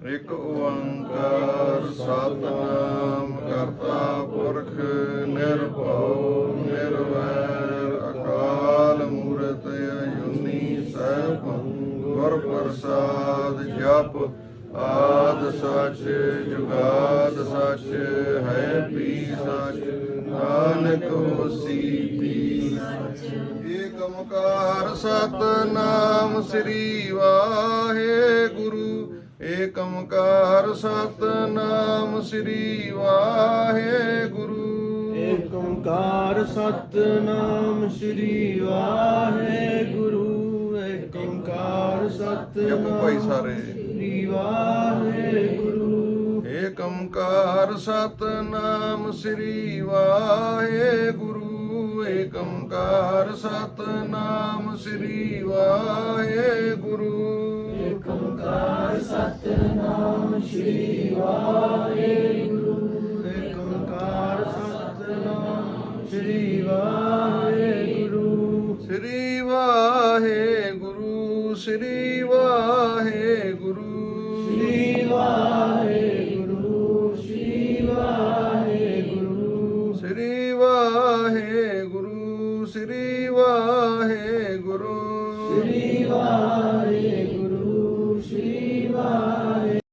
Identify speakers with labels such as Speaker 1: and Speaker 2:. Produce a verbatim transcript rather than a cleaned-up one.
Speaker 1: ਇਕ ਓੰਕਾਰ ਸਤਿਨਾਮ ਕਰਤਾ ਪੁਰਖ ਨਿਰਭਉ ਨਿਰਵੈਰ ਅਕਾਲ ਮੂਰਤ ਅਜੂਨੀ ਸੈਭੰ ਗੁਰ ਪ੍ਰਸਾਦ ਜਪ ਆਦ ਸਚ ਜੁਗਾਦ ਸਚ ਹੈ ਵੀ ਸਚ ਨਾਨਕ ਹੋਸੀ ਵੀ ਸਚ। ਏਕ ਓੰਕਾਰ ਸਤਿਨਾਮ ਸ੍ਰੀ ਵਾਹਿਗੁਰੂ। ਏਕ ਓੰਕਾਰ ਸਤਿਨਾਮ ਸ੍ਰੀ ਵਾਹਿਗੁਰੂ।
Speaker 2: ਏਕ ਓੰਕਾਰ ਸਤਿਨਾਮ ਸ੍ਰੀ ਵਾਹਿਗੁਰੂ। ਏਕ ਓੰਕਾਰ
Speaker 1: ਭਾਈ
Speaker 2: ਸਤਿਨਾਮ
Speaker 1: ਸਾਰੇ
Speaker 2: ਸ੍ਰੀ ਵਾਹਿਗੁਰੂ।
Speaker 1: ਏਕ ਓੰਕਾਰ ਸਤਿਨਾਮ ਸ੍ਰੀ ਵਾਹਿਗੁਰੂ। ਏਕ ਓੰਕਾਰ ਸਤਿਨਾਮ ਸ੍ਰੀ ਵਾਹਿਗੁਰੂ।
Speaker 2: ਏਕ ਓੰਕਾਰ ਸਤਿਨਾਮ ਸ੍ਰੀ ਵਾਹਿਗੁਰੂ। ਏਕ ਓੰਕਾਰ ਸਤਿਨਾਮ ਸ੍ਰੀ ਵਾਹਿਗੁਰੂ।
Speaker 1: ਸ੍ਰੀ ਵਾਹਿਗੁਰੂ ਸ੍ਰੀ ਵਾਹਿਗੁਰੂ
Speaker 2: ਸ੍ਰੀ ਵਾਹਿਗੁਰੂ। ਸ੍ਰੀ ਵਾਹਿਗੁਰੂ।
Speaker 1: ਸ੍ਰੀ ਵਾਹਿਗੁਰੂ ਸ੍ਰੀ ਵਾਹਿਗੁਰੂ
Speaker 2: ਸ੍ਰੀ ਵਾਹਿਗੁਰੂ।